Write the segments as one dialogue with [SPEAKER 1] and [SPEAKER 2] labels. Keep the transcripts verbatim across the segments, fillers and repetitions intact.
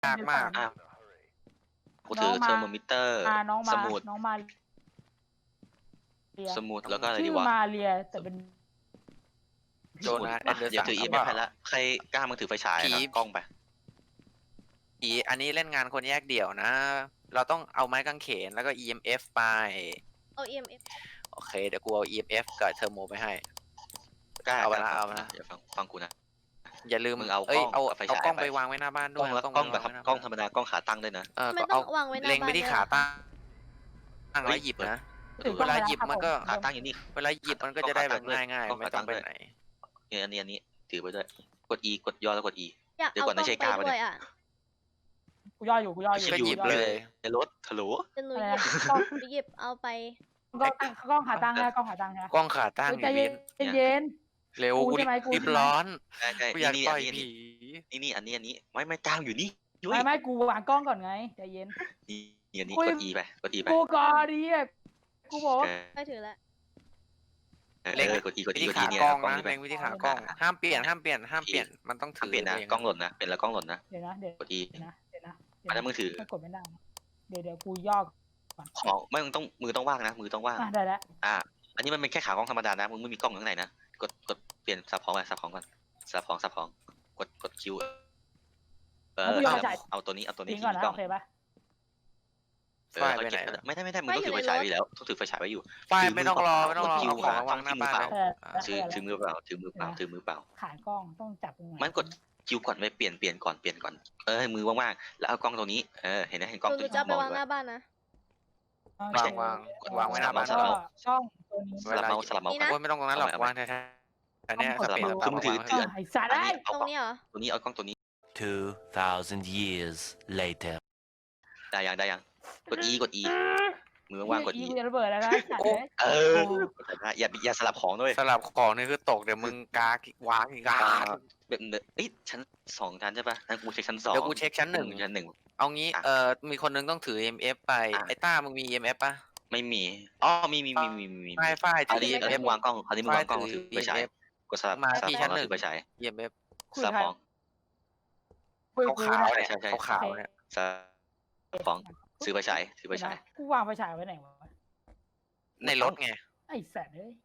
[SPEAKER 1] ยากมาก
[SPEAKER 2] อ่ะกูถือเทอร์โมมิเตอร์
[SPEAKER 3] อ่าน้องมา
[SPEAKER 2] สมุด
[SPEAKER 3] น้องมาเรีย
[SPEAKER 2] สมุดแล้วก็อะไร
[SPEAKER 3] ชื่
[SPEAKER 2] ดี
[SPEAKER 3] อ
[SPEAKER 2] วะ
[SPEAKER 3] มาเรียแต่เป็น
[SPEAKER 1] โดนัท
[SPEAKER 2] อ่ะ
[SPEAKER 1] แอนเดอร์สัน
[SPEAKER 2] เดี๋ยวถืออี
[SPEAKER 1] ค
[SPEAKER 2] เอ
[SPEAKER 1] รับ
[SPEAKER 2] ฟให้ละใครกล้ามึงถือไฟฉาย
[SPEAKER 1] ผี
[SPEAKER 2] นะกล้องไป
[SPEAKER 1] ผีอันนี้เล่นงานคนแยกเดี่ยวนะ เราต้องเอาไม้กางเขนแล้วก็ อี เอ็ม เอฟ ไป
[SPEAKER 4] เอา อี เอ็ม เอฟ
[SPEAKER 1] โอเคเดี๋ยวกูเอา อี เอ็ม เอฟ กับเทอร์โมไปให้
[SPEAKER 2] กล้า
[SPEAKER 1] เอาไป
[SPEAKER 2] กล้
[SPEAKER 1] ละเอาไปละ
[SPEAKER 2] อย่าฟังฟังกูนะ
[SPEAKER 1] อย่าลืม
[SPEAKER 2] มึงเอา
[SPEAKER 1] เอ้ย
[SPEAKER 2] กล้
[SPEAKER 1] เอา
[SPEAKER 2] องกับไฟ
[SPEAKER 1] เอา
[SPEAKER 2] ฉาย
[SPEAKER 1] กล้อง
[SPEAKER 2] ไป
[SPEAKER 1] ไปวางไว้หน้าบ้าน
[SPEAKER 2] ก
[SPEAKER 1] ด้
[SPEAKER 2] ล้
[SPEAKER 1] ว
[SPEAKER 2] อย งแล้ว
[SPEAKER 1] เาก
[SPEAKER 2] ล้องแบบ
[SPEAKER 1] ไว้หน้า
[SPEAKER 2] กล้องธ
[SPEAKER 1] บ้าร
[SPEAKER 2] รมดากล้องขาตั้งด้วยนะ
[SPEAKER 1] เออ
[SPEAKER 4] ไม่
[SPEAKER 1] ก็
[SPEAKER 4] ต้อ
[SPEAKER 1] เอา
[SPEAKER 4] งวางไว้หน้า
[SPEAKER 1] เล็งไป
[SPEAKER 4] บ้าน
[SPEAKER 1] ที่
[SPEAKER 4] ด้วย
[SPEAKER 1] ขา
[SPEAKER 4] อะ
[SPEAKER 1] ตั้งตั้ง
[SPEAKER 2] เฮ้
[SPEAKER 1] แล้ว
[SPEAKER 2] ย
[SPEAKER 1] หยิบนะ
[SPEAKER 3] ถึง
[SPEAKER 1] เวลาหยิบมันก็
[SPEAKER 2] ขาตั้งอยู่นี่
[SPEAKER 1] เวลาหยิบมันก็จะได้แบบง่าย
[SPEAKER 2] กล้อง
[SPEAKER 1] ๆ ไม่
[SPEAKER 2] ขา
[SPEAKER 1] ต้
[SPEAKER 2] ตั้
[SPEAKER 1] อง
[SPEAKER 2] ง
[SPEAKER 1] ไป
[SPEAKER 2] ด้วย
[SPEAKER 1] ไหน
[SPEAKER 2] เนี่ยอันนี้อันนี้ถือไปด้วยกด E กดย่อแล้วกด E
[SPEAKER 4] อยาก
[SPEAKER 2] เดี๋ยว
[SPEAKER 4] เอา
[SPEAKER 2] ก่อน
[SPEAKER 4] กล้
[SPEAKER 2] นะ
[SPEAKER 4] อง
[SPEAKER 2] ใช่
[SPEAKER 4] ไป
[SPEAKER 2] กล้าปะเนี่ย
[SPEAKER 4] ด้วยอ่ะ
[SPEAKER 3] กูย่ออยู่กูย่ออยู่
[SPEAKER 1] ก็หยิบ
[SPEAKER 3] กูอ
[SPEAKER 1] เล
[SPEAKER 3] อ
[SPEAKER 1] ย
[SPEAKER 2] ในรถฮัลโหล
[SPEAKER 4] จะหนู
[SPEAKER 3] อะไร
[SPEAKER 4] หยิบ
[SPEAKER 3] นะกล้อง
[SPEAKER 4] หนูหยิบเอาไป
[SPEAKER 3] กล้องตั้งกล้องขาตั้งนะกล้องขาตั้งนะ
[SPEAKER 1] กล้องขาตั้ง
[SPEAKER 3] เฮ้ยใจ
[SPEAKER 1] ไอ้
[SPEAKER 3] เย็
[SPEAKER 1] วิ
[SPEAKER 3] น
[SPEAKER 1] น
[SPEAKER 3] เย็น
[SPEAKER 1] เร็ว
[SPEAKER 3] กู
[SPEAKER 1] กู
[SPEAKER 3] ใช่ไหมกู
[SPEAKER 1] รีบ
[SPEAKER 3] ใช่ไหม
[SPEAKER 1] ร้อน
[SPEAKER 2] ใช่ใช่
[SPEAKER 1] กูอยาก
[SPEAKER 2] นี่
[SPEAKER 1] ต่อย
[SPEAKER 2] นี่
[SPEAKER 1] ผี
[SPEAKER 2] นี่นี่อันนี้อันนี้ไม่ไม่จ้างอยู่นี่ยุ้ย
[SPEAKER 3] ไม่ไม่กูวางกล้องก่อนไงใจเย็น
[SPEAKER 2] นี่อันนี้
[SPEAKER 3] คุย
[SPEAKER 2] กด E ไปกด E ไป
[SPEAKER 3] กูก่อนดิอ่ะกูบอกว่า
[SPEAKER 2] เออ
[SPEAKER 4] ไปถือแล้ว
[SPEAKER 2] เออ
[SPEAKER 1] เล็ง
[SPEAKER 2] เออกด E กด
[SPEAKER 1] วิ
[SPEAKER 2] E
[SPEAKER 1] ธี
[SPEAKER 2] กด E
[SPEAKER 1] ขา
[SPEAKER 2] เนี่ย
[SPEAKER 1] กล้อง
[SPEAKER 2] กล้อง
[SPEAKER 1] นะ
[SPEAKER 2] นี่ไป
[SPEAKER 1] เล็งวิธีขากล้อง ห้ามเปลี่ยนห้ามเปลี่ยนห้ามเปลี่ยนมันต้องถื
[SPEAKER 2] ห้าม
[SPEAKER 1] อ
[SPEAKER 2] เปลี่ยนนะ
[SPEAKER 1] เอง
[SPEAKER 2] กล้องหล่นนะเป็นแล้วกล้องหล่นนะ
[SPEAKER 3] เดี๋ยวนะเดี๋ยว
[SPEAKER 2] กด E
[SPEAKER 3] เดี๋ยวนะเดี๋ยวนะเดี๋ยว
[SPEAKER 2] อันนั้น
[SPEAKER 3] นะ
[SPEAKER 2] มือถือ
[SPEAKER 3] ไม่กดไม่ได้นะเดี๋ยวเดี๋ยวกูย่อก่อน
[SPEAKER 2] ของไม่มึงต้องมือต้องว่างนะมือต้องว่าง
[SPEAKER 3] อ่ะได้แล้ว
[SPEAKER 2] อ่า อันนี้มันเป็นแค่ขากล้องธรรมดานะมึงไม่มีกล้องข้างในนะกดกดเปลี่ยนสับของไปสับของก่อนสับของสับของกดกดคิวเออเอาเอาตัวนี้เอาตัวนี้
[SPEAKER 3] ทิ้ง
[SPEAKER 2] ที่
[SPEAKER 3] ก่อน
[SPEAKER 2] มี
[SPEAKER 3] นะ
[SPEAKER 2] กล้อง
[SPEAKER 3] โอเคปะ
[SPEAKER 2] เอ
[SPEAKER 1] ไฟ
[SPEAKER 2] อ
[SPEAKER 1] ล์ไปไหน
[SPEAKER 2] เก็บ
[SPEAKER 1] ล่ะ
[SPEAKER 2] ไม่ได้ไม่ได้มึงต้องถือไฟฉายไว้แล้วต้องถือไฟฉายไว้อยู่
[SPEAKER 1] ไฟล์ไม่ต้องรอไม่ต้องรอ
[SPEAKER 2] คิว
[SPEAKER 1] เอาของ
[SPEAKER 2] ขอ
[SPEAKER 1] มาวางหน้าบ้านเลย
[SPEAKER 3] เออ
[SPEAKER 1] อ่า
[SPEAKER 2] ถือถือมือเปล่าถือมือเปล่าถือมือเปล่า
[SPEAKER 3] ขากล้องต้องจับตรงไหน
[SPEAKER 2] มันกดคิวก่อนไว้เปลี่ยนเปลี่ยนก่อนเปลี่ยนก่อนเออให้มือว่างๆแล้วเอากล้องตัวนี้เออเห็นไหมเห็นกล้อง
[SPEAKER 4] ห
[SPEAKER 2] ตัว
[SPEAKER 4] นู
[SPEAKER 2] นี้
[SPEAKER 4] จะเอาไป
[SPEAKER 2] มอง
[SPEAKER 4] วาง
[SPEAKER 2] ด้ว
[SPEAKER 4] ห
[SPEAKER 2] ย
[SPEAKER 4] น้าบ้านนะ
[SPEAKER 2] ไม่ใช่
[SPEAKER 1] วางวางไว้หน้าบ้าน
[SPEAKER 2] สลับ
[SPEAKER 3] ก็ช่องตัวนี้
[SPEAKER 2] สลับเมาส์สลับเมาส์
[SPEAKER 4] นี่
[SPEAKER 2] ก่อน
[SPEAKER 4] นะ
[SPEAKER 1] โอ้ยไม่ต้องตรงนั้นหรอก
[SPEAKER 2] เอาไป
[SPEAKER 1] วางแท้ๆอันเนี้ย
[SPEAKER 3] ก
[SPEAKER 1] ส
[SPEAKER 3] ด
[SPEAKER 1] เปร
[SPEAKER 3] ดู
[SPEAKER 1] ย์
[SPEAKER 2] คือมึงถือ
[SPEAKER 1] วาง
[SPEAKER 2] ถื
[SPEAKER 1] ไว้
[SPEAKER 3] อ่ะไอ้สัตว์
[SPEAKER 2] อัน
[SPEAKER 3] ได้
[SPEAKER 2] นี้เอา
[SPEAKER 4] ตรงนี้เหรอ
[SPEAKER 2] ตัวนี้เอากล้องตัวนี้
[SPEAKER 5] Two thousand years later.
[SPEAKER 2] ได้ยังได้ยังกด E กด E มือว่างๆกด E
[SPEAKER 3] กูจะระเบิดแล้วนะไอ้สัตว์เลย
[SPEAKER 2] เอออย่าอย่าสลับของด้วย
[SPEAKER 1] สลับของนี่คือตกเดี๋ยวมึงกากวางอีกกา
[SPEAKER 2] อ่าแบบเอ้ยชั้นสองชั้นใช่ปะงั้นกูเช็คชั้นสอง
[SPEAKER 1] เดี๋ยวกูเช็คชั้นหนึ่ง
[SPEAKER 2] ชั้นหนึ่ง
[SPEAKER 1] เอางี้
[SPEAKER 2] อ่ะ
[SPEAKER 1] เอ่อมีคนนึงต้องถือ อี เอ็ม เอฟ ไป
[SPEAKER 2] อ่ะ
[SPEAKER 1] ไอ้ต้ามึงมี อี เอ็ม เอฟ ป่ะ
[SPEAKER 2] ไม่มีอ๋อมีมีมีมีมีมี
[SPEAKER 1] ฝ้ายฝ้าย
[SPEAKER 2] อัน
[SPEAKER 1] ถือ
[SPEAKER 2] นี้
[SPEAKER 1] อี
[SPEAKER 2] อัน
[SPEAKER 1] เอ็
[SPEAKER 2] นี้
[SPEAKER 1] ม
[SPEAKER 2] มึงวางกล้องอันนี้มึงวางกล้อง
[SPEAKER 1] ฝ้ายถื
[SPEAKER 2] ถื
[SPEAKER 1] อ
[SPEAKER 2] อไฟฉาย
[SPEAKER 1] อี เอ็ม เอฟ
[SPEAKER 2] กดสลับ
[SPEAKER 1] มา
[SPEAKER 2] สลับ
[SPEAKER 1] ที่
[SPEAKER 2] ข
[SPEAKER 1] ชั้
[SPEAKER 2] อง
[SPEAKER 1] น
[SPEAKER 2] แล้ว
[SPEAKER 1] หนึ่ง
[SPEAKER 2] ถือไฟฉาย
[SPEAKER 1] อี เอ็ม เอฟ
[SPEAKER 3] คุย
[SPEAKER 2] สลับ
[SPEAKER 3] ใคร
[SPEAKER 2] ของ
[SPEAKER 3] คุยกู
[SPEAKER 1] ขาว
[SPEAKER 3] นะ
[SPEAKER 1] ๆเนี่ย
[SPEAKER 2] ใช่ใช่
[SPEAKER 1] ขาวๆเนี่ย
[SPEAKER 2] สลับของถือไฟฉายถือไฟฉาย
[SPEAKER 3] กูวางไฟฉายไว้ไหนวะ
[SPEAKER 1] ในรถไง
[SPEAKER 3] ไอ้สัตว์เอ้ย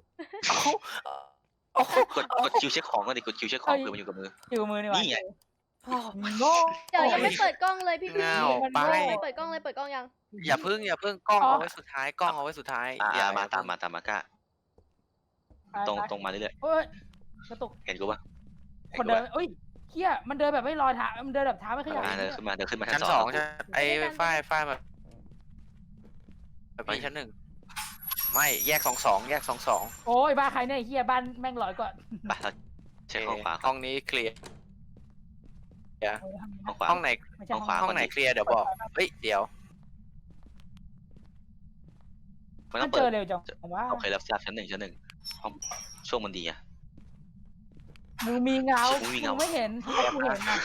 [SPEAKER 2] กดกดคิวเช็คของก็ดิกดคิวเช็คของเพื่อมันอยู่กับมือ
[SPEAKER 3] อยู่มือนี่วะ
[SPEAKER 2] นี่ไง
[SPEAKER 3] โง่
[SPEAKER 4] เดี๋ยวยังไม่เปิดกล้องเลยพี่พี่
[SPEAKER 1] เงาไป
[SPEAKER 4] ไม่เปิดกล้องเลยเปิดกล้องยัง
[SPEAKER 1] อย่าพึ่งอย่าพึ่งกล้องเอาไว้สุดท้ายกล้องเอาไว้สุดท้าย
[SPEAKER 2] อ่า
[SPEAKER 1] อย่
[SPEAKER 2] มา
[SPEAKER 1] อย่
[SPEAKER 2] ตาม
[SPEAKER 1] เพิ่ง
[SPEAKER 2] มาตามมาก้า
[SPEAKER 3] ไป
[SPEAKER 2] ตรง
[SPEAKER 3] ไป
[SPEAKER 2] ตรงมาเรื่อย
[SPEAKER 3] เอ้ยกระตุก
[SPEAKER 2] ๆเห็นกูปะเห็
[SPEAKER 3] คน
[SPEAKER 2] กู
[SPEAKER 3] เดิน
[SPEAKER 2] ปะ
[SPEAKER 3] เอ้ยเฮียมันเดินแบบไม่รอยเท้ามันเดินแบบเท้าไม่ขยับ
[SPEAKER 2] อ่าเดินขึ้นมาเดินขึ้นมา
[SPEAKER 1] ชั้
[SPEAKER 2] ชั้
[SPEAKER 1] น
[SPEAKER 2] น
[SPEAKER 1] ส
[SPEAKER 2] ส
[SPEAKER 1] อ
[SPEAKER 2] อง ง
[SPEAKER 1] ใช่ไอ้ฝ้ายฝ้ายมาพี่ชั้นหนึ่งไม่แยกสองสองแยกสองสอง
[SPEAKER 3] โอ้ยบ้าใครเนี่ยเฮียบ้านแม่งลอยกว่า
[SPEAKER 2] ไปเราเช็คห้องขวา
[SPEAKER 1] ห้องนี้เคลียร์
[SPEAKER 2] ห้องขวา
[SPEAKER 1] ห้องไหน
[SPEAKER 3] ไม่ใช่
[SPEAKER 2] ห้องขวา
[SPEAKER 1] ห้องไหนเคลียร์เดี๋ยวบอกเฮ้ยเดี๋ยว
[SPEAKER 2] มันต้
[SPEAKER 3] มั
[SPEAKER 2] อน ง
[SPEAKER 3] เจ
[SPEAKER 2] เปิ
[SPEAKER 3] อ
[SPEAKER 2] ด
[SPEAKER 3] เร็วจังว่า
[SPEAKER 2] โอเคแล้วทราบชั้นหนึ่งชั้นหนึ่งห้องช่วงมันดีอะ
[SPEAKER 3] มึงมีเงา
[SPEAKER 2] มึงมีเงา
[SPEAKER 3] ไม่เห็นให้กูเห็นอ่ะ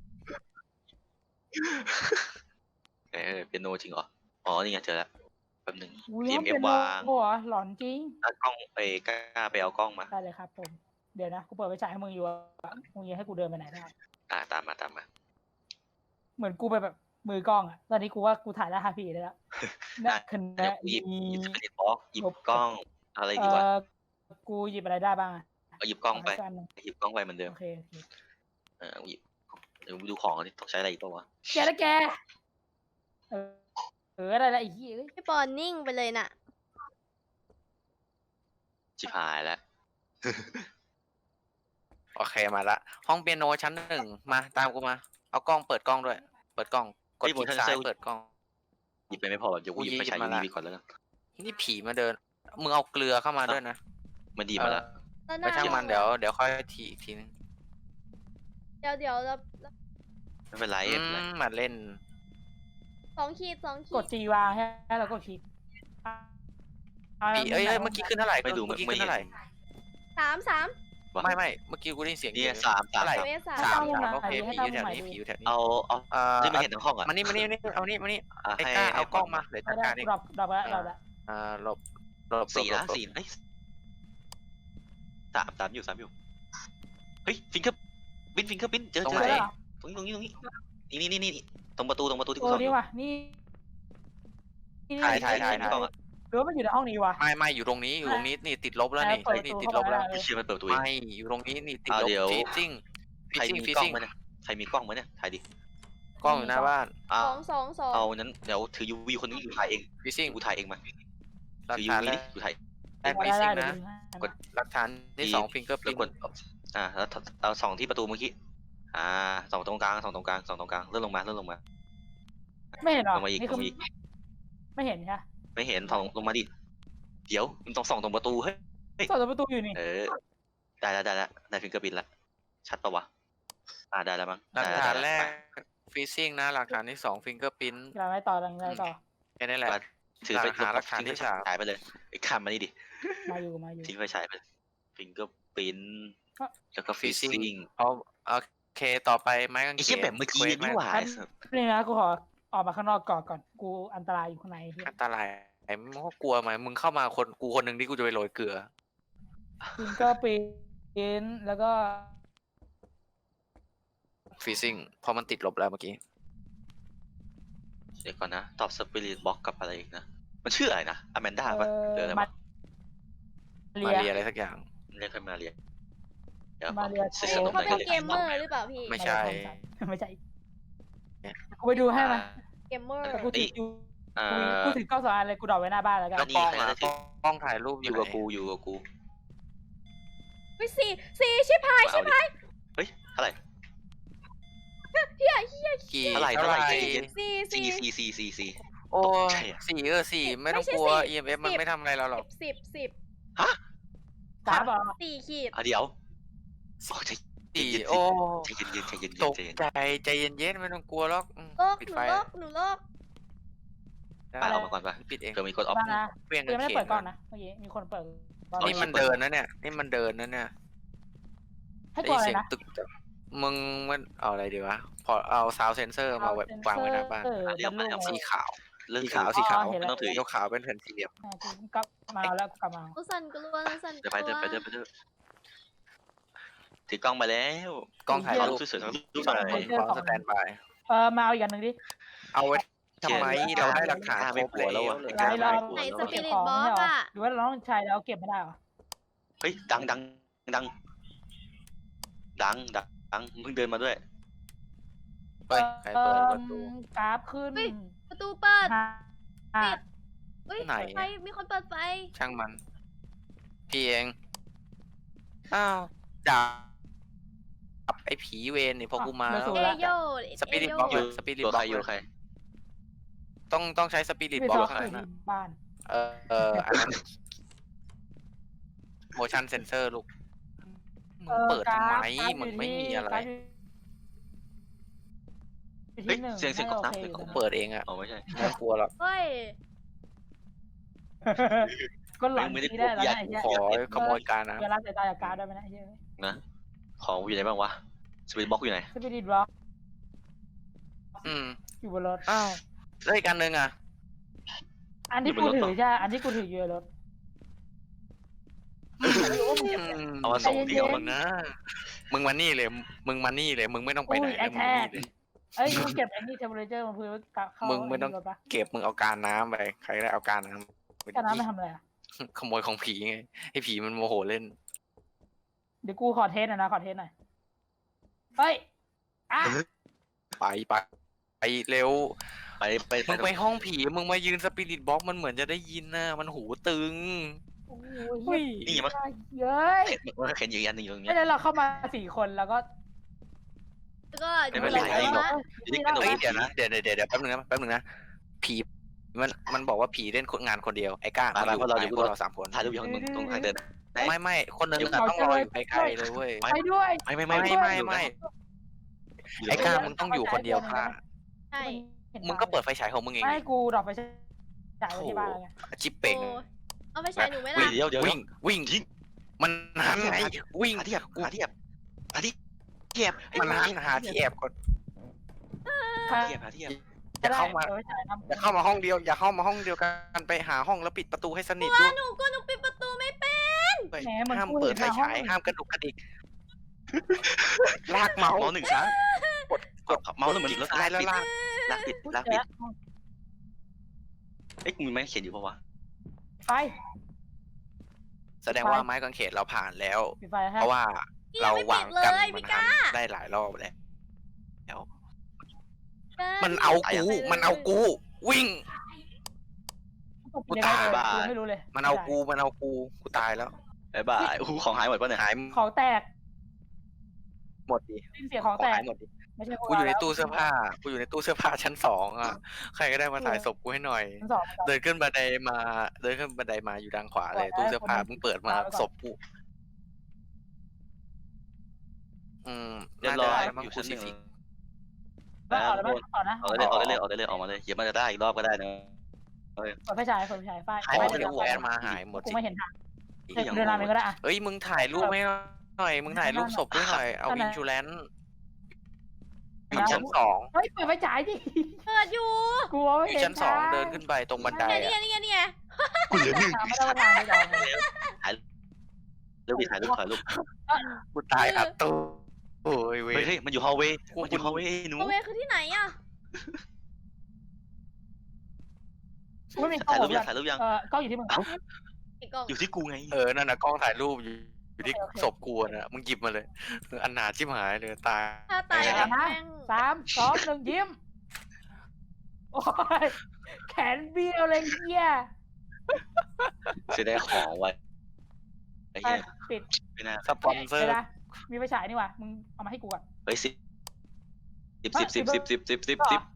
[SPEAKER 2] เออเปียโนจริงเหรออ๋อนี่ไงเจอแล้วแป๊บหนึง
[SPEAKER 3] กู
[SPEAKER 2] เตรี
[SPEAKER 3] เลี้
[SPEAKER 2] ย
[SPEAKER 3] ย
[SPEAKER 2] ม
[SPEAKER 3] ง
[SPEAKER 2] เอ
[SPEAKER 3] เป็
[SPEAKER 2] ฟ
[SPEAKER 3] น
[SPEAKER 2] วาง
[SPEAKER 3] โอ้โหหลอนจริง
[SPEAKER 2] อ่ะกล้องไปกล้าไปเอากล้องมา
[SPEAKER 3] ได้เลยครับผมเดี๋ยวนะกูเปิดไฟฉายให้มึงอยู่อะมึงยังให้กูเดินไปไหนได้
[SPEAKER 2] อ่าตามมาตามมา
[SPEAKER 3] เหมือนกูไปแบบมือกล้องอ่ะตอนนี้กูว่ากูถ่ายได้ฮาพีได้แล้วนะค
[SPEAKER 2] เดี๋ย
[SPEAKER 3] ณะ
[SPEAKER 2] วกูหยิบ
[SPEAKER 3] อี
[SPEAKER 2] หยิบสเปนบล็อกหยิบกล้องอะไร
[SPEAKER 3] เอ
[SPEAKER 2] ดีวะ
[SPEAKER 3] อกูหยิบอะไรได้บ้างอะ
[SPEAKER 2] เอาหยิบกล้องไป
[SPEAKER 3] ขสักนหนึ่ง
[SPEAKER 2] หยิบกล้องไปเหมือนเดิม
[SPEAKER 3] โอเคโอเค
[SPEAKER 2] เออหยิบเดี๋ยวดูของนี่ต้องใช้อะไรอีกป่าวะ
[SPEAKER 3] แกแล้วแกเออเออได้แล้วไอ้เหี้ยเอ้ย
[SPEAKER 4] พี่ปอนนิ่งไปเลยน่ะ
[SPEAKER 2] ชิบหายแล้ว
[SPEAKER 1] โอเคมาละห้องเปียโนชั้นหนึ่งมาตามกูมาเอากล้องเปิดกล้องด้วย เปิดกล้องกดคลิกซ้ายเปิดกล้อง
[SPEAKER 2] หยิบไปไม่พอเดี๋ยวกูหยิบไปใช้
[SPEAKER 1] กูหยิบมา
[SPEAKER 2] ยู
[SPEAKER 1] ละ
[SPEAKER 2] วีก่อนแล้วกัน
[SPEAKER 1] นี่ผีมาเดินมึงเอาเกลือเข้ามาด้วยนะ
[SPEAKER 2] มันดีมาแล้ว
[SPEAKER 4] แล้วห
[SPEAKER 1] ไป
[SPEAKER 4] น้า
[SPEAKER 1] ช่างมันเดี๋ยวเดี๋ยวค่อยทีอีกทีนึง
[SPEAKER 4] เดี๋ยวเดี๋ยวเรา
[SPEAKER 2] ไม่เป็นไร
[SPEAKER 1] อื
[SPEAKER 2] ไม่เป็นไร
[SPEAKER 1] มมาเล่น
[SPEAKER 4] สองขีดสองขี
[SPEAKER 3] ก
[SPEAKER 4] ด
[SPEAKER 3] ดจีวางให้แล้วก็คลิกอ่ะ
[SPEAKER 1] ผีเอ้ยเอ้ยเมื่อกี้ขึ้นเท่าไหร่
[SPEAKER 2] ไม่ดู
[SPEAKER 1] เมื่อกี้
[SPEAKER 2] ไม่
[SPEAKER 1] ขึ้น
[SPEAKER 2] เห็น
[SPEAKER 1] เท่าไหร่
[SPEAKER 4] สามสาม
[SPEAKER 1] ไม่ไม่เมื่อกี้กูได้ยินเสียง
[SPEAKER 2] เนี่ย
[SPEAKER 1] เยอะ
[SPEAKER 2] สามสาม
[SPEAKER 1] เท่าไหร่
[SPEAKER 2] สาม
[SPEAKER 4] เวสสาม
[SPEAKER 1] สาม
[SPEAKER 3] ให้
[SPEAKER 1] สาม
[SPEAKER 3] ตั้ง
[SPEAKER 1] โอเค
[SPEAKER 3] ให้
[SPEAKER 1] ผี
[SPEAKER 3] ตั้
[SPEAKER 1] อง ยู่แถวนี้
[SPEAKER 3] ใหม่
[SPEAKER 1] ผีอยู่แถวนี้
[SPEAKER 2] เอาเอา
[SPEAKER 1] เอ่อ
[SPEAKER 2] ที่ไม่เห็นทั้งห้องอ่ะ
[SPEAKER 1] มานี่มานี่มานี่เอานี่มานี่
[SPEAKER 2] อ่ะ
[SPEAKER 1] ไอ้
[SPEAKER 2] ให้
[SPEAKER 1] ก้า
[SPEAKER 2] ให้
[SPEAKER 1] เอากล้องมาเดี๋ยวจั
[SPEAKER 3] ได้
[SPEAKER 1] ด
[SPEAKER 3] ได้
[SPEAKER 1] การนี่
[SPEAKER 3] ดรอปดรอปแล้วดรอปแล้ว
[SPEAKER 1] อ่าหลบหลบ
[SPEAKER 2] สี่
[SPEAKER 1] หล
[SPEAKER 2] นะ
[SPEAKER 1] บหลบ
[SPEAKER 2] สี่เอ้ยสามสามอยู่สามอยู่เฮ้ยฟิงเกอร์บินฟิงเกอร์บินเจอ
[SPEAKER 1] ตรง
[SPEAKER 2] เจอ
[SPEAKER 1] ไหน
[SPEAKER 3] ได้เหรอ
[SPEAKER 2] ตรงนี้ตรงนี้ตรงนี้นี่นี่นี่นี่ตรงประตูตรงประตูที่
[SPEAKER 3] โอ้
[SPEAKER 2] กูส่องอ
[SPEAKER 3] นี่
[SPEAKER 2] ยู่
[SPEAKER 3] ว่ะนี่นี่
[SPEAKER 1] ถ่ายถ่ายถ่าย
[SPEAKER 2] ไม่
[SPEAKER 1] ถ่าย
[SPEAKER 2] ต้องอ่ะ
[SPEAKER 3] หรือว่ามันอยู่ในห้องนี้วะ
[SPEAKER 1] ไม่ไม่อยู่ตรงนี้อยู่ตรงนี้นี่ติดลบแล้วนี่
[SPEAKER 3] เปิด
[SPEAKER 1] นี่
[SPEAKER 3] ประตู
[SPEAKER 1] ติดลบแล้ว
[SPEAKER 3] เข้าไปได้
[SPEAKER 2] เชี่ยมันเปิดประตูเอง
[SPEAKER 1] ไม่อยู่ตรงนี้นี่ติด
[SPEAKER 2] อ่า
[SPEAKER 1] ลบ
[SPEAKER 2] เดี๋ยว
[SPEAKER 1] ฟีซิ่งฟี
[SPEAKER 2] ใคร
[SPEAKER 1] ซิ่ง
[SPEAKER 2] มี
[SPEAKER 1] ฟี
[SPEAKER 2] กล้อง
[SPEAKER 1] ซิ่ง
[SPEAKER 2] มั้ยเนี่ยใครมีกล้องมั้ยเนี่ยถ่ายดิ
[SPEAKER 1] กล้องอยู่หน้าบ้าน
[SPEAKER 2] เอา
[SPEAKER 4] สองสองสอง
[SPEAKER 2] เอานั้นเดี๋ยวถือยูวีคนนี้กูถ่ายเอง
[SPEAKER 1] ฟีซิ่ง
[SPEAKER 2] กูถ่ายเองมา
[SPEAKER 1] หลัก
[SPEAKER 2] ถือยู
[SPEAKER 1] ฐาน
[SPEAKER 2] วี
[SPEAKER 1] แร
[SPEAKER 2] ดิ
[SPEAKER 1] ก
[SPEAKER 2] กูถ่าย
[SPEAKER 1] แรก
[SPEAKER 3] ได้
[SPEAKER 1] ฟีซิ่ง
[SPEAKER 3] ได้
[SPEAKER 1] นะ
[SPEAKER 3] เดี๋ยว
[SPEAKER 2] กด
[SPEAKER 1] หลักฐานที่สองฟิงเกอร์
[SPEAKER 2] แล้ว
[SPEAKER 1] พิ
[SPEAKER 2] กดอ่าแล้วเอาส่องที่ประตูเมื่อกี้อ่าส่องตรงกลางส่องตรงกลางส่องตรงกลางเลื่อนลงมาเลื่อนลงมา
[SPEAKER 3] ไม่เห็นหรอ
[SPEAKER 2] ลงมาอีก
[SPEAKER 3] นี่
[SPEAKER 2] ล
[SPEAKER 3] คื
[SPEAKER 2] ง
[SPEAKER 3] อ
[SPEAKER 2] มาอีก
[SPEAKER 3] ไม่เห็นใช่
[SPEAKER 2] ไม่เห็นส่องลงมาดิเดี๋ยวมึงต้องส่องตรงประตูเฮ้ย
[SPEAKER 3] สอดประตูอยู่นี่
[SPEAKER 2] เออได้แล้วได้แล้วได้ฟิงเกอร์บินละชัดปะวะอ่าได้แล้วมั้ง
[SPEAKER 1] หลัก
[SPEAKER 2] ได้
[SPEAKER 1] ฐาน
[SPEAKER 2] ล้ว
[SPEAKER 1] แร
[SPEAKER 2] ได้
[SPEAKER 1] ก
[SPEAKER 2] ล้ว
[SPEAKER 1] ฟีซิ่งนะหลักฐานที่สองฟิงเกอร์พิน
[SPEAKER 3] เราไม่ต่อเราไม่ต่อ
[SPEAKER 1] แค่นี้แหละ
[SPEAKER 2] ถือไป
[SPEAKER 1] หาหลักฐานที่สาม
[SPEAKER 2] ฉายไปเลยไอ้ข้ามมานี่ดิ
[SPEAKER 3] มาอยู่มาอยู่
[SPEAKER 2] ทิ้งไฟฉายไปฟิงเกอร์บิน
[SPEAKER 3] ก็
[SPEAKER 2] แล้วก็
[SPEAKER 1] ฟี
[SPEAKER 2] ฟิซ
[SPEAKER 1] ซิ่ง
[SPEAKER 2] ซิ่ง
[SPEAKER 1] เอาโอเคต่อไปไม้กาง
[SPEAKER 2] ไอ้
[SPEAKER 1] เข
[SPEAKER 2] เชี่ย
[SPEAKER 1] น
[SPEAKER 2] แบบเมื่อกี้นี่หว่า
[SPEAKER 3] นี่นะกูขอออกมาข้างนอกก่อนก่อนกูอันตรายอยู่ข้างในเฮีย
[SPEAKER 1] อันตรายไอ้มึงก็กลัวไหมมึงเข้ามาคนกูคนหนึ่งที่กูจะไปโรยเกลือ
[SPEAKER 3] ฟิงเกอร์ปินแล้วก็
[SPEAKER 1] ฟีซิ่งพอมันติดลบแล้วเมื่อกี้
[SPEAKER 2] เดี๋ยวก่อนนะ ตอบสปิริตบ็อกกับอะไรอีกนะ มันชื่ออะไรนะอแมนด้า
[SPEAKER 3] เอ
[SPEAKER 2] ปะเจอ
[SPEAKER 3] อ
[SPEAKER 2] อะไร
[SPEAKER 3] มา
[SPEAKER 2] ปะ
[SPEAKER 3] เรี
[SPEAKER 1] มาย เรียอะไรสักอย่าง
[SPEAKER 2] เรียกใครมาเรียกเดี๋ยว
[SPEAKER 3] มาเรีย
[SPEAKER 2] เสีย
[SPEAKER 3] โทร
[SPEAKER 2] ตรง
[SPEAKER 4] เขา
[SPEAKER 2] ไหน
[SPEAKER 4] เป็น
[SPEAKER 2] เลย
[SPEAKER 4] เกมเมอร์หรือเปล่าพี่
[SPEAKER 1] ไม่ใช่
[SPEAKER 3] ไม่ใช่กูไปดูให้ไหม
[SPEAKER 4] เกมเมอร์
[SPEAKER 3] แต่กูถืออยู่
[SPEAKER 2] อ่า
[SPEAKER 3] กูถือกล้องสองอันเลยกูดรอปไว้หน้าบ้านแล้วกัน
[SPEAKER 2] อั
[SPEAKER 1] แล้ว
[SPEAKER 2] นนี้
[SPEAKER 1] กล้อง
[SPEAKER 2] ใคร
[SPEAKER 1] อะ
[SPEAKER 2] น่าจะ
[SPEAKER 1] กล้องถ่ายรูปอ
[SPEAKER 2] อยู่
[SPEAKER 1] ยู่
[SPEAKER 2] กับ
[SPEAKER 1] ไหน
[SPEAKER 2] กูอยู่กับกู
[SPEAKER 4] เฮ้ยสี่สี่ชิบหาย
[SPEAKER 2] มาเอาดิเฮ้ยเท่าไหร่
[SPEAKER 4] เฮียเฮีย
[SPEAKER 1] กี่
[SPEAKER 2] เท่าไหร่เท่าไหร่ใจเย็น
[SPEAKER 4] สี่
[SPEAKER 2] สี่
[SPEAKER 4] สี่
[SPEAKER 2] สี่สี่สี่สี่
[SPEAKER 1] โอ้
[SPEAKER 2] ตกใจอะ
[SPEAKER 1] สี่เออสี่ไม่ต้อง
[SPEAKER 4] ไม่ใช่
[SPEAKER 1] กลัว
[SPEAKER 4] สี่
[SPEAKER 1] อี เอ็ม เอฟ มัน
[SPEAKER 4] สิบ
[SPEAKER 1] ไม่ทำอะไรเราหรอก
[SPEAKER 4] สิบสิบ
[SPEAKER 2] ฮะ
[SPEAKER 3] สามเหรอ
[SPEAKER 4] สี่ขีด
[SPEAKER 2] อ่ะเดี๋ยวโอ้ใจ
[SPEAKER 1] สี่
[SPEAKER 2] เย็นๆ
[SPEAKER 1] โอ้
[SPEAKER 2] ใจเย็นเย็นใจเย็น
[SPEAKER 1] ต
[SPEAKER 2] เย็น
[SPEAKER 1] ก
[SPEAKER 2] ใจเย็น
[SPEAKER 1] ใจใจเย็นๆไม่ต้องกลัวหรอกอืม
[SPEAKER 4] โลก
[SPEAKER 1] ปิด
[SPEAKER 4] หนู
[SPEAKER 1] ไฟ
[SPEAKER 4] โลกหนูโลก
[SPEAKER 1] ได้
[SPEAKER 2] ไปเอามาก่อนปะ
[SPEAKER 1] ปิดเอง
[SPEAKER 2] เผื่อมีกดออฟ
[SPEAKER 3] บ้านนะ
[SPEAKER 1] เปลี่ยน
[SPEAKER 3] กูยังไม่ได้
[SPEAKER 1] เข
[SPEAKER 3] เปิด
[SPEAKER 1] น
[SPEAKER 3] กล้องนะเมื่อกี้มีคนเปิดกล้อง
[SPEAKER 1] นี่มันเดินนะเนี่ยนี่มันเดินนะเนี่ย
[SPEAKER 3] ให้
[SPEAKER 1] ได้
[SPEAKER 3] กด
[SPEAKER 1] ยิน
[SPEAKER 3] อะไร
[SPEAKER 1] เสียง
[SPEAKER 3] นะ
[SPEAKER 1] ตึกมึงมันเอาอะไรดีวะพอเอาซาวเซนเซอร์มาไว้วางไว้หน้าบ้าน
[SPEAKER 3] เออเป็นรูป
[SPEAKER 1] สีขาว
[SPEAKER 2] เรื่อง
[SPEAKER 1] สี
[SPEAKER 2] ขา
[SPEAKER 1] ขาว วสีขาว
[SPEAKER 3] อ๋อเห็นแล้ว
[SPEAKER 2] ต้องถือ
[SPEAKER 1] สีขาวเป็นแผ่นสี่เหลี่ยม
[SPEAKER 3] อ่ะกูกลับมาแล้วกูกลับมา
[SPEAKER 4] กูสั่นกลัวกูสั่นก
[SPEAKER 2] เดี๋ยวไป
[SPEAKER 4] ลัว
[SPEAKER 2] เดินไปเดินไปเดินถือกล้องมาแล้ว
[SPEAKER 1] กล้องถ่าย
[SPEAKER 2] ถ่าย
[SPEAKER 1] รู
[SPEAKER 2] รู
[SPEAKER 1] ป
[SPEAKER 2] ปสวยๆทั้งรูป
[SPEAKER 1] สอง
[SPEAKER 2] เลย
[SPEAKER 1] คนพร้อมสแตนบาย
[SPEAKER 3] เออมาเอาอีกอันหนึ่งดิ
[SPEAKER 1] เอาไว้ทำไม
[SPEAKER 2] เขียน
[SPEAKER 1] เราได้หลักฐาน
[SPEAKER 2] กล้า
[SPEAKER 1] ค
[SPEAKER 2] ไม่
[SPEAKER 1] รบ
[SPEAKER 2] กลัวแล้ว
[SPEAKER 1] แล้ว
[SPEAKER 2] อะ
[SPEAKER 1] เลย
[SPEAKER 3] ไลฟ์เรา
[SPEAKER 4] ไหนส
[SPEAKER 3] เรา
[SPEAKER 4] ปิ
[SPEAKER 3] เก็บ
[SPEAKER 4] ริ
[SPEAKER 3] ข
[SPEAKER 4] ต
[SPEAKER 3] อง
[SPEAKER 4] บ็อก
[SPEAKER 3] ไม่เหรอ
[SPEAKER 4] อะ
[SPEAKER 3] หรือว่าเราต้องใช้แล้วเก็บไม่ได้เหรอ
[SPEAKER 2] เฮ้ยดังดังดังดังดังดังมึงเดินมาด้วย
[SPEAKER 1] ไปใครเปิดประตู
[SPEAKER 3] เอิ่มกราฟขึ้น
[SPEAKER 4] ประตูเปิด
[SPEAKER 3] ห้าห้า
[SPEAKER 4] เฮ้ย
[SPEAKER 1] ไหน
[SPEAKER 4] ไฟมีคนเปิดไฟ
[SPEAKER 1] ช่างมัน พี่เอง อ้าวจับไอ้ผีเวรนี่พอกูมาแล้ว
[SPEAKER 4] เอโย
[SPEAKER 1] สปิริต
[SPEAKER 4] เอโย
[SPEAKER 1] บ็อก
[SPEAKER 2] อยู่
[SPEAKER 1] สปิริต
[SPEAKER 2] ตัว
[SPEAKER 1] บ็
[SPEAKER 2] ใค
[SPEAKER 1] อ
[SPEAKER 2] ร
[SPEAKER 1] ก
[SPEAKER 2] อยู่ใคร
[SPEAKER 1] ต้องต้องใช้สปิริต
[SPEAKER 3] ที่
[SPEAKER 1] บ็อก
[SPEAKER 3] ซอก
[SPEAKER 1] ข้าง
[SPEAKER 3] อยู่
[SPEAKER 1] นั้น
[SPEAKER 3] ที่
[SPEAKER 1] นะ
[SPEAKER 3] บ้าน
[SPEAKER 1] เออเอออันนั้น motion sensor ลูกมึงเปิดทำไม
[SPEAKER 3] กราฟ
[SPEAKER 1] มึงไม่มีอะไร
[SPEAKER 3] กราฟอยู่
[SPEAKER 2] เฮ้ย
[SPEAKER 3] ที่หนึ่ง
[SPEAKER 2] เสียงเสียง
[SPEAKER 3] ให้
[SPEAKER 2] กด
[SPEAKER 3] โอ
[SPEAKER 2] น้ำ
[SPEAKER 3] เค
[SPEAKER 2] เสียงกด
[SPEAKER 3] อยู่
[SPEAKER 2] น้
[SPEAKER 1] เปิดเองอะ
[SPEAKER 2] อ๋อไม่ใช่
[SPEAKER 1] ไม่ต้องกลัวหรอก
[SPEAKER 4] เฮ้ย
[SPEAKER 3] ก็หลัง
[SPEAKER 2] ไม่ได้
[SPEAKER 3] ที่ได้แล้ว
[SPEAKER 2] อยาก
[SPEAKER 3] นะไอ้เหี้ย
[SPEAKER 1] ขอขโมยการนะ
[SPEAKER 3] เวลาสายตาจากการดได้ไหมนะไอ้เหี้ย
[SPEAKER 2] นะของอยู่ไหนบ้างวะสปิริตบ็อกอยู่ไหน
[SPEAKER 3] สปิริตบ็อก
[SPEAKER 1] อืม
[SPEAKER 3] อยู่บนรถ
[SPEAKER 1] อ้าวแล้วอีกอันหนึ่งอะ
[SPEAKER 3] อันที่กูถือใช่ อันที่กูถืออยู่ในรถ
[SPEAKER 1] อืม
[SPEAKER 2] เอามาส่ง
[SPEAKER 3] ใจเย็นๆ
[SPEAKER 2] เดียว
[SPEAKER 1] มึงนะมึงมานี่เลย มึงมานี่เลย มึงไม่ต้องไปไหน
[SPEAKER 3] อุ้ย
[SPEAKER 1] เลยมึง
[SPEAKER 3] ไอ้
[SPEAKER 1] มา
[SPEAKER 3] แท้
[SPEAKER 1] นี่เลย
[SPEAKER 3] เอ้ยมึงเก็บไอ้นี่เทมเพอเรเจอร์มันพื้นไว้กับเข้า
[SPEAKER 1] มึงไม่ต้อง
[SPEAKER 3] ในรถปะ
[SPEAKER 1] เก็บมึงเอาการน้ำไป ใครได้เอาการน้ำไป
[SPEAKER 3] แค่นั้นไม่ทำอะไรอ่ะ
[SPEAKER 1] ขโมยของผีไงให้ผีมันโมโหเล่น
[SPEAKER 3] เดี๋ยวกูขอเทสหน่อยนะขอเทสหน่อยเฮ้ยอ่ะ
[SPEAKER 1] ไปไปไปเร็ว
[SPEAKER 2] ไปไปไป
[SPEAKER 1] มึงไปห้องผี มึงมายืนสปิริตบ็อกมันเหมือนจะได้ยินนะมันหูตึง
[SPEAKER 3] โอ้
[SPEAKER 1] เฮ้
[SPEAKER 3] ย
[SPEAKER 1] ย
[SPEAKER 2] นี่มัน
[SPEAKER 3] เย้ย
[SPEAKER 2] มันเข็นอยู่อีกอันหนึงอยู่ตรง
[SPEAKER 3] ไม่
[SPEAKER 2] เนี้ย
[SPEAKER 3] ได้เราเข้ามาสี่คนแล้วก็
[SPEAKER 4] แล้วก็
[SPEAKER 2] ไม่เป็นไร
[SPEAKER 4] ดูแล้วว่า
[SPEAKER 3] นี่เรา
[SPEAKER 1] เฮ้ยเดี๋ยวนะเดี๋ยวเดี๋ยวเดี๋ยวเดี๋ยวแป๊บนึงนะแป๊บนึงนะผีมันมันบอกว่าผีเล่นงานคนเดียวไอ้ก้า
[SPEAKER 2] มา
[SPEAKER 1] มันอยู่
[SPEAKER 2] พวกเรา
[SPEAKER 1] ไหน
[SPEAKER 2] อยู่
[SPEAKER 1] พวกเราสามคน
[SPEAKER 2] ถ่ายรูปอยู่ข้างบนตรงทางเดิน
[SPEAKER 1] ไม่ไม่คนหนึงอะต้องรออยู่ไกลๆเลยเว้ย
[SPEAKER 3] ไปด้วย
[SPEAKER 2] ไม่ไม่
[SPEAKER 1] ไม่
[SPEAKER 2] ไม่
[SPEAKER 1] ไม่ไม่
[SPEAKER 2] อยู่
[SPEAKER 1] ไอ้
[SPEAKER 2] ตรง
[SPEAKER 1] ก้า
[SPEAKER 2] นั้น
[SPEAKER 1] มึงต้องอยู่คนเดียวค่ะ
[SPEAKER 4] ใช่
[SPEAKER 1] มึงก็เปิดไฟฉายของมึงเอง
[SPEAKER 3] ไม่
[SPEAKER 1] ดิ
[SPEAKER 3] กูดรอปไปใช้จ่ายไว้ที่บ้านแล้วไง
[SPEAKER 1] จิบเป่ง
[SPEAKER 4] โอ้เอาไปใช้หนูไหม
[SPEAKER 2] วิ่
[SPEAKER 4] ล่ะ
[SPEAKER 2] งเดี๋ยวเดี๋ยว
[SPEAKER 1] วิ่งวิ่ง
[SPEAKER 2] ยิง
[SPEAKER 1] มันหันไงวิ่ง
[SPEAKER 2] หาที่แอบหาที่แอบหาที่เทียบ
[SPEAKER 1] มันหันหาที่แอบก่อน
[SPEAKER 2] หาที่แอบหาที่แอบ
[SPEAKER 1] อย่าเข้ามา
[SPEAKER 3] อไว้จ่ายน้ำ
[SPEAKER 1] อย่าเข้ามาห้องเดียวอย่าเข้ามาห้องเดียวกันไปหาห้องแล้วปิดประตูให้สนิท
[SPEAKER 4] กลั
[SPEAKER 1] ด้
[SPEAKER 4] ว
[SPEAKER 1] วย
[SPEAKER 4] หนูกลัวหนูปิดประตูไม่เป็น
[SPEAKER 3] แหมเหมือน
[SPEAKER 1] ห้าม
[SPEAKER 3] กู
[SPEAKER 1] เปิดไฟ
[SPEAKER 3] เห็นหน้าห้อง
[SPEAKER 1] ฉายห้ามกระดุกกระดิกลากเมา
[SPEAKER 2] หมอ
[SPEAKER 1] ส์
[SPEAKER 2] หนึ่งช้าง
[SPEAKER 1] กด
[SPEAKER 2] กดเมาส์แล้วเหมือนรถ
[SPEAKER 1] ซ้ายแล้ว
[SPEAKER 2] ปิด
[SPEAKER 1] ลาก
[SPEAKER 2] ลากปิด
[SPEAKER 3] กู
[SPEAKER 2] ลาก
[SPEAKER 3] เจ
[SPEAKER 2] ปิ
[SPEAKER 3] อ
[SPEAKER 2] ดเอ้ยกูมีไม้เขียนอยู่ปะวะ
[SPEAKER 3] ไฟ
[SPEAKER 1] แสดงว่าไม้กางเขนเราผ่านแล้ว
[SPEAKER 3] ปิดไฟฮะ
[SPEAKER 1] เพราะว่า
[SPEAKER 4] พี่
[SPEAKER 1] เรา
[SPEAKER 4] ไม่
[SPEAKER 1] วา
[SPEAKER 4] ปิ
[SPEAKER 1] ง
[SPEAKER 4] ดเล
[SPEAKER 1] กัน
[SPEAKER 4] ย
[SPEAKER 1] มัน
[SPEAKER 4] พี่
[SPEAKER 1] หั
[SPEAKER 4] ก้าน
[SPEAKER 1] ได้หลายรอบแล้ว
[SPEAKER 4] ได้
[SPEAKER 1] มันเอากู
[SPEAKER 4] ไปลย
[SPEAKER 1] มันเอากู วิ่ง
[SPEAKER 3] กูตายกูไม่รู้เลย
[SPEAKER 1] มันเอากูมันเอากูกูตายแล้ว
[SPEAKER 2] ไอ้บ้าอู้ของหายหมดปะเนี่ย
[SPEAKER 1] หาย
[SPEAKER 3] ของแตก
[SPEAKER 1] หมดดิ
[SPEAKER 3] สิ้นเสียงของแตก
[SPEAKER 1] หายหมดดิ
[SPEAKER 3] ไม่ใช่พว
[SPEAKER 1] กูอยู่ใน
[SPEAKER 3] เรา
[SPEAKER 1] ตู้เสื้อผ้ากูอยู่ในตู้เสื้อผ้าชั้นสองอ่ะใครก็ได้มาถ่ายศพกูให้หน่อย
[SPEAKER 3] ทั้งสอง
[SPEAKER 1] เดินขึ้นบันไดมา เดินขึ้นบันไดมาอยู่ทางขวาเลยตู้เสื้อผ้ามึงเปิดมาศพกูอืม
[SPEAKER 2] เรียบร้อย
[SPEAKER 1] น่าจะได้มั้ง
[SPEAKER 2] อยู่
[SPEAKER 1] กู
[SPEAKER 2] ชั้นห
[SPEAKER 1] สิ
[SPEAKER 2] นึ่ง
[SPEAKER 1] ฟิก
[SPEAKER 3] แล้วออกแล้วไหมต่อนะ
[SPEAKER 2] ออกได้เลยออกได้เลยออกได้เลยออกมาเลยเดี๋ยวมันจะได้อีกรอบก็ได้นะ
[SPEAKER 3] เปิดไฟฉายเปิดไฟฉายไฟ
[SPEAKER 1] หายหมด
[SPEAKER 3] ไฟ
[SPEAKER 1] เลยกูแอนมาหายหมด
[SPEAKER 3] กู
[SPEAKER 1] สิ
[SPEAKER 3] ไม่เห็นทาง
[SPEAKER 2] อีก
[SPEAKER 3] เดิ
[SPEAKER 2] อย่าง
[SPEAKER 3] นนานไปก็ได้อะ
[SPEAKER 1] เอ้ยมึงถ่ายรูปให้หน่อยมึงถ่ายรูปศพด้วยหน่อยเอา
[SPEAKER 3] อันไหน
[SPEAKER 1] อินชูแลนซ์อ
[SPEAKER 3] อัน
[SPEAKER 1] ยู่
[SPEAKER 3] ไหน
[SPEAKER 1] ชั้นสอง
[SPEAKER 3] เฮ้ยเปิดไฟฉายดิ
[SPEAKER 4] เปิดอยู่
[SPEAKER 3] กลัวไม่
[SPEAKER 1] อยู่
[SPEAKER 3] เห็น
[SPEAKER 1] ชั้นสองเดินขึ้นไปตรงบันได
[SPEAKER 4] เนี่ย
[SPEAKER 1] อะ
[SPEAKER 4] เนี่ยเนี่ยเนี่ย
[SPEAKER 2] กูเหลือหนึ่ง
[SPEAKER 3] ทางไม่ได้ว่าทางไม่ได้
[SPEAKER 2] เร็วดิถ่ายรูปถ่ายรูป
[SPEAKER 1] กูตายอัดตู้โอ้ยเว้
[SPEAKER 2] เฮ้ย
[SPEAKER 1] ย
[SPEAKER 2] เฮ้ยมันอยู่ฮอลเวย์มันอยู่ฮอลเวย์หนู
[SPEAKER 4] โอเวคือที่ไหนอ่ะ
[SPEAKER 3] กูไม่มีกล้อ
[SPEAKER 2] ถ่าย
[SPEAKER 3] ง
[SPEAKER 2] รูปยังถ่ายรูปยัง
[SPEAKER 3] เออกล้องอยู่ที่มึง
[SPEAKER 4] ไอ้กล้อง
[SPEAKER 2] อยู่ที่กูไง
[SPEAKER 1] เออนั่นน่ะกล้องถ่ายรูปอยู่อยู่ที่
[SPEAKER 3] โอเคโอเค
[SPEAKER 1] ศพกูน่ะมึงหยิบมาเลยอันหนาชิบหายเลยตาย
[SPEAKER 4] ถ้าตาย
[SPEAKER 1] เออ
[SPEAKER 4] แล้ว
[SPEAKER 3] นะ
[SPEAKER 4] แม่ง
[SPEAKER 3] สามสองหนึ่งยิ้มโอ้ยแขนเบี้ยวเลยเหี้ย
[SPEAKER 2] เสียดายของไว้ไอ้
[SPEAKER 3] ไป
[SPEAKER 2] เหี้ย
[SPEAKER 3] ปิด
[SPEAKER 2] ไม่น่า
[SPEAKER 1] สปอนเซอ
[SPEAKER 3] เดี๋ย
[SPEAKER 1] ร์
[SPEAKER 3] วนะมีไฟฉายนี่หว่ามึงเอามาให้กูก่อน
[SPEAKER 2] เฮ้ยสิบสิบสิบสิบสิบสิบสิบสิบสิบ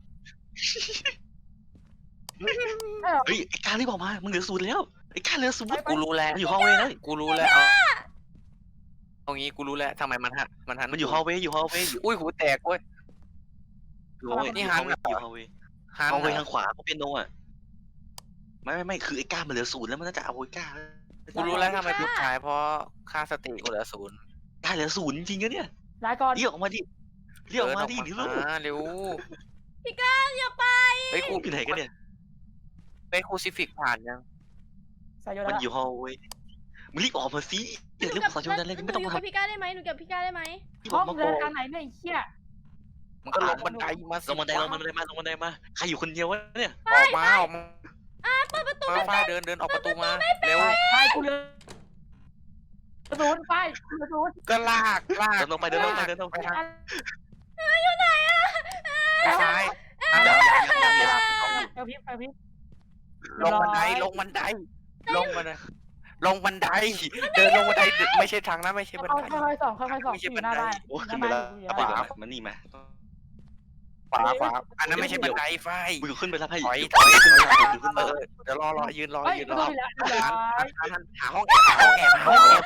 [SPEAKER 3] เออ
[SPEAKER 2] เฮ้ยไอ้การรีบออกมามึงเหลือศูนย์แล้วไอ้การเหลือศูนย์
[SPEAKER 1] กูรู้แล้ว
[SPEAKER 2] มันอยู่ฮอลเวย์แล้ว
[SPEAKER 1] กูรู้แล้วเอาเอางี้กูรู้แล้วทำไมมันหันมันหัน
[SPEAKER 2] มันอยู่ฮอลเวย์อยู่ฮอลเวย์อยู่
[SPEAKER 1] อุ้ยหูแตกเว้ย
[SPEAKER 2] ฮอลเวย์
[SPEAKER 1] นี่
[SPEAKER 2] อยู่
[SPEAKER 1] ฮั
[SPEAKER 2] ฮอน ลเวย์
[SPEAKER 1] เหรอ
[SPEAKER 2] อยู่ฮอลเวย์
[SPEAKER 1] หัน
[SPEAKER 2] ฮอลเวย์
[SPEAKER 1] เหร
[SPEAKER 2] ทา
[SPEAKER 1] อง
[SPEAKER 2] ขวาเพราะเป็นโนอ่ะไม่ไม่ไม่คือไอ้การมันเหลือศูนย์แล้วมันน่าจะเอาไอ้การ
[SPEAKER 1] กูรู้แล้วทำไมกูตายเพราะค่าสติกูเหลือศูนย์
[SPEAKER 2] การเหลือศูนย์จริงๆนะเนี่ย
[SPEAKER 3] ลาก่อน
[SPEAKER 2] เรียกออกมาดิเรียกออกมาดิ
[SPEAKER 1] เดิ
[SPEAKER 2] เร็
[SPEAKER 1] น
[SPEAKER 2] ว
[SPEAKER 1] ออกมาเร็ว
[SPEAKER 4] พี่ก้าอย่าไป
[SPEAKER 1] เฮ้ยกู
[SPEAKER 2] อยู่ไหนกันเนี่ย
[SPEAKER 1] ไปคูซิฟิกผ่านยัง
[SPEAKER 3] ใส่โยน
[SPEAKER 2] มัน
[SPEAKER 3] แล้ว
[SPEAKER 2] อยู่ฮอลเวย์มึงรีบออกมาสิเดี๋ยวเรื่องภาษาชนนั้นเลยไม่ต้อง
[SPEAKER 4] หนู
[SPEAKER 2] มา
[SPEAKER 4] อยู่กับพี่ก้าได้ไหมหนูกับพี่ก้าได้ไหม
[SPEAKER 3] ห้องเดินทางไหนเนี่ยไอ้เหี้ย
[SPEAKER 1] มันก็ลงบันไดมาสิ
[SPEAKER 2] ลงบันไดลงบันไดมาลงบันไดมาใครอยู่คนเดียววะเนี่ย
[SPEAKER 1] ออกมาออกมา
[SPEAKER 4] เปิดประตู
[SPEAKER 1] มาฟ้าเดินเดินออกประตูมาเร็ว
[SPEAKER 3] ไปไปกูเลยศูนย์ไปกูเลยศูนย์
[SPEAKER 1] ก็ลากลาก
[SPEAKER 2] เดินลงไปเดินลงไปเดินลงไป
[SPEAKER 1] ไปทาง
[SPEAKER 3] อยู่ไหนอ่ะ
[SPEAKER 1] ไปซ้ายทางเดินยังยังยังยัง
[SPEAKER 3] เอลพิบเอลพิบ
[SPEAKER 1] ลงบันไดลงบันไดลงบันไดลงบันไดเดินลงบันไดไม่ใช่ทางนั้นไม่ใช่บัน
[SPEAKER 3] เอา
[SPEAKER 1] ได
[SPEAKER 3] ค่อยๆส่องค่อยๆส่อง
[SPEAKER 1] ไม่ใช่
[SPEAKER 3] อยู่หน้า
[SPEAKER 1] บันได
[SPEAKER 3] บ้าน
[SPEAKER 2] โอ้
[SPEAKER 3] ห
[SPEAKER 2] ขึ้
[SPEAKER 3] น้าน
[SPEAKER 2] ไป
[SPEAKER 3] บ้าน
[SPEAKER 2] แล้ว
[SPEAKER 3] อยู่หน้า
[SPEAKER 2] ไป
[SPEAKER 3] บ้าน
[SPEAKER 2] เดี๋ยวมันนี่มา
[SPEAKER 1] ขวาขวาอันนั้นไม่ใช่บันไดไฟ
[SPEAKER 2] มึงขึ้นไปแล้วให้
[SPEAKER 1] ถอย
[SPEAKER 2] ถอยขึ้นไปแล้วขึ้น
[SPEAKER 1] เอ
[SPEAKER 2] ไป
[SPEAKER 1] อเดี๋ยวรอรอยืนรอ
[SPEAKER 3] เฮ้ย
[SPEAKER 1] ยืน
[SPEAKER 3] ประ
[SPEAKER 1] ร
[SPEAKER 3] ตู
[SPEAKER 1] อ
[SPEAKER 3] ปิดแล้วเรียบร้อย
[SPEAKER 1] หาหาห้องแอบหาห้องแอบหาห้องแอบ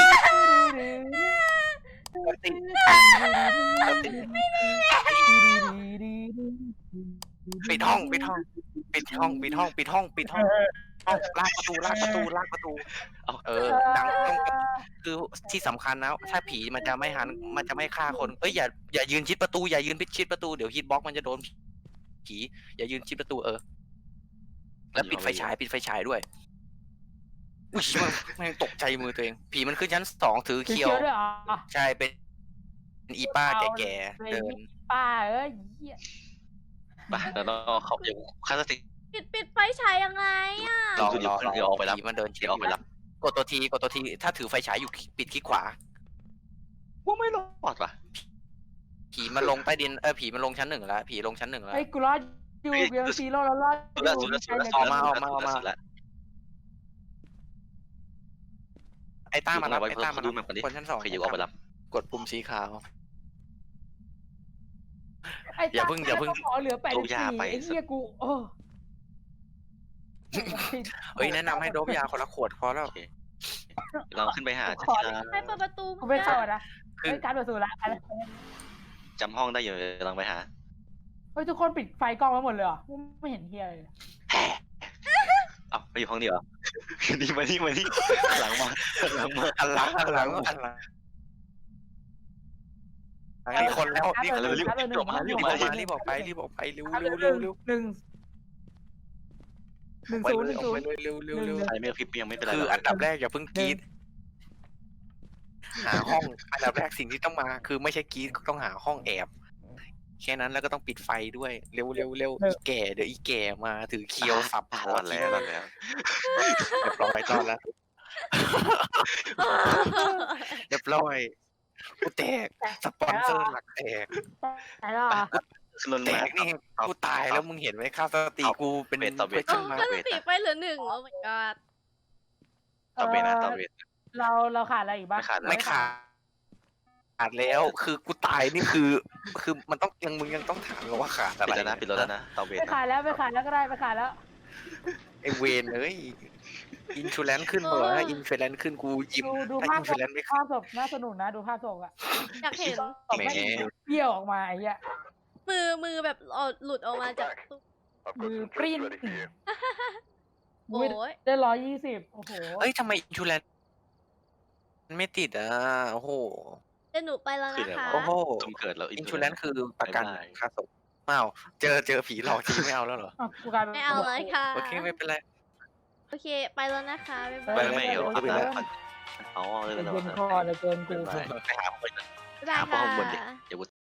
[SPEAKER 1] ติดติดปิดห้องปิดห้องปิดห้องปิดห้องปิดห้องปิดห้องห้องลากประตูลากประตูลากประตูเออดังต้องคือที่สำคัญนะถ้าผีมันจะไม่หันมันจะไม่ฆ่าคนเอ้ยอย่าอย่ายืนชิดประตูอย่ายืนชิดประตูเดี๋ยวฮิตบ็อกมันจะโดนผีอย่ายืนชิดประตูเออแล้วปิดไฟฉายปิดไฟฉายด้วยอุ้ยแม่งตกใจมือตัวเองผีมันขึ้นชั้นสองถือ
[SPEAKER 3] คือ
[SPEAKER 1] เคียว
[SPEAKER 3] เคี้ยวด้วยเหรอ
[SPEAKER 1] ใช่เป็นอีป้าแก่ๆเดิน
[SPEAKER 3] ป้าเอ้ยเหี้ย
[SPEAKER 2] ไปแล้วก็เขาเดี๋ยวคาสติ
[SPEAKER 4] ปิดปิดไฟฉายยังไงอ่ะ
[SPEAKER 1] รอ
[SPEAKER 2] เดี๋
[SPEAKER 1] ร
[SPEAKER 2] ยว
[SPEAKER 1] อรอ
[SPEAKER 2] เดี๋ยวออกไปรับ
[SPEAKER 1] ผีมันเดิน
[SPEAKER 2] เดี๋ยวออกไปรับ
[SPEAKER 1] กดตัวทีกดตัวทีถ้าถือไฟฉายอยู่ปิดคลิกขวา
[SPEAKER 2] ว่าไม่รอดว่ะ
[SPEAKER 1] ผีมันลงใต้ดินเออผีมันลงชั้นหนึ่งแล้วผีลงชั้นหนึ่งแล้ว
[SPEAKER 3] เฮ้ยกูรอดอยู่เบียร์ซีโร่แล้วรอดอ
[SPEAKER 2] สุดละ
[SPEAKER 3] ยู่
[SPEAKER 2] สุดละสุดละ
[SPEAKER 1] ออกมาออกมาออกมา
[SPEAKER 2] สุดละ
[SPEAKER 1] ไอ้ต้ามารับ
[SPEAKER 2] อยู่
[SPEAKER 1] ไอ้
[SPEAKER 2] ข้างหลัง
[SPEAKER 1] ต้ามารับ
[SPEAKER 2] ดูมันก่อนดิ
[SPEAKER 1] คนชั้นสอง
[SPEAKER 2] ใครอยู่ออกไปรับ
[SPEAKER 1] กดปุ่มสีขาว
[SPEAKER 3] ไอ้
[SPEAKER 1] อย่าเพิ่งอย่าเพิ่ง
[SPEAKER 3] ขอเหลือแปดสิบสี่ไอ้เหี้ยกูโอ้
[SPEAKER 1] เอ้ยแนะนำให้โดบยาคนละขวดพอแล้ว
[SPEAKER 2] โอเคเราขึ้นไปหา
[SPEAKER 3] ขอ
[SPEAKER 4] ใครเปิดประตู
[SPEAKER 3] กูไม่เข้าอะนะ
[SPEAKER 1] คือ
[SPEAKER 3] เฮ้ยการเปิดสูตรละอะไร
[SPEAKER 2] จำห้องได้อยู่ลองไปหา
[SPEAKER 3] เฮ้ยทุกคนปิดไฟกล้องไว้หมดเลยเหรอกูไม่เห็นเฮียเลย
[SPEAKER 2] เอ้าไปอยู่ห้องเดียวเหรอนี่มานี่มานี่หลังมาหลังมา
[SPEAKER 1] อันหลังอันหลังอันหลังนี่คนแล้วนี่คนแล้วรีบรีบออกมารีบออกมารีบออกไปรีบออกไปเร็วเร็วเร็วเร็ว
[SPEAKER 3] หนึ่งหนึ่ง
[SPEAKER 1] ไป
[SPEAKER 3] ศูน
[SPEAKER 1] เล
[SPEAKER 3] ย์ห
[SPEAKER 1] ย
[SPEAKER 3] นึ่ง
[SPEAKER 1] ออก
[SPEAKER 3] ศู
[SPEAKER 1] ไป
[SPEAKER 3] นย์
[SPEAKER 1] เลยเร็วเร็วเร็ว
[SPEAKER 2] ใครไม่คลิปยังไม่เป็นไร
[SPEAKER 1] คืออันดับแรกอย่าเพิ่งกรีดหาห้องอันดับแรกสิ่งที่ต้องมาคือไม่ใช่กรีดต้องหาห้องแอบแค่นั้นแล้วก็ต้องปิดไฟด้วยเร็วเร็วเร็วอีแก่เดี๋ยวอีแก่มาถือเคียวสับ
[SPEAKER 2] อ่ะ
[SPEAKER 1] ค
[SPEAKER 2] ร
[SPEAKER 1] อ
[SPEAKER 2] อดแล้วรอดแล้ว
[SPEAKER 1] เรียบร้อยรอดแล้วเรียบร้อยกูแตกสปอนเซอร์หลักแตก
[SPEAKER 3] แต่แล้วอ่ะ
[SPEAKER 2] ขึ้นรถ
[SPEAKER 1] แต
[SPEAKER 2] มาก
[SPEAKER 1] นี่
[SPEAKER 2] เอา
[SPEAKER 1] กูตายแล้วมึงเห็นไหมค่าสติกูเป็น
[SPEAKER 2] เวทต่อเวท
[SPEAKER 1] เพื่อน
[SPEAKER 4] โอ้
[SPEAKER 1] มา
[SPEAKER 4] ก็สติไปเหลือหนึ่งโอ้ my god
[SPEAKER 2] ต่อเวทนะต่อเวท
[SPEAKER 3] เราเราขาดอะไรอีกบ้าง
[SPEAKER 2] ไม่ขาดแล้ว
[SPEAKER 1] ไม่ขาดขาดแล้วคือกูตายนี่คือ คือมันต้องยังมึงยังต้องถามเลยว่าขาดอะ
[SPEAKER 2] ปิด
[SPEAKER 1] ไร
[SPEAKER 2] แล้วนะปิดรถแล้วนะต่อเวท
[SPEAKER 3] ไม่
[SPEAKER 2] นะ
[SPEAKER 3] ขาดแล้วไม่ขาดแล้วก็ได้ไม่ขาดแล้ว
[SPEAKER 1] ไอเวนเอ้ยอินชูแลนขึ้นเหรอถ้าอินชูแลนขึ้นกูยิ้ม
[SPEAKER 3] ดูดู
[SPEAKER 1] ถ้า
[SPEAKER 3] ภา
[SPEAKER 1] อิ
[SPEAKER 3] พ
[SPEAKER 1] นชูแลนไม่ขึ้น
[SPEAKER 3] ภาพศพน่าสนุกนะดูภาพศพอ่ะ
[SPEAKER 4] อยากเห็น
[SPEAKER 3] ศพไม่เบี้ยวออกมาไอ้เหี้ย
[SPEAKER 4] มือมือแบบเอาหลุดออกมาจากตู้
[SPEAKER 3] มือปริ้น
[SPEAKER 4] โอ้ย
[SPEAKER 3] ได้ร้อยยี่สิบโอ้โห
[SPEAKER 1] เอ้ยทำไมอินชูแลนไม่ติดอ่ะโอ้โห
[SPEAKER 4] เดี๋ยวหนูไปแล้วนะคะ
[SPEAKER 1] โอ้โห
[SPEAKER 2] ตุ่มเกิดแล้ว
[SPEAKER 1] อินชูแลนคือประกัน
[SPEAKER 2] บ๊ายบาย
[SPEAKER 1] ค่าศพเปล่าเจอเจอผีหลอกทีไม่เอาแล้วเหรอ
[SPEAKER 3] อ่ะกูกลายเป็น
[SPEAKER 4] ไม่เอาเลยค่ะ
[SPEAKER 1] โอเคไม่เป็นไร
[SPEAKER 4] โอเค ไปแล้วนะคะบ๊าย
[SPEAKER 2] ไป
[SPEAKER 4] บาย
[SPEAKER 2] ไม่เดี๋ยว
[SPEAKER 1] ไปแล้ว
[SPEAKER 2] อ๋อเลย
[SPEAKER 3] เกิ
[SPEAKER 2] แล้ว
[SPEAKER 3] นคอเลยเกินกู
[SPEAKER 2] ไปหาคน
[SPEAKER 4] บ๊ายบาย
[SPEAKER 2] หาพ่อ
[SPEAKER 4] ค่ะ
[SPEAKER 2] ข้างบนดิเดี๋ยวกู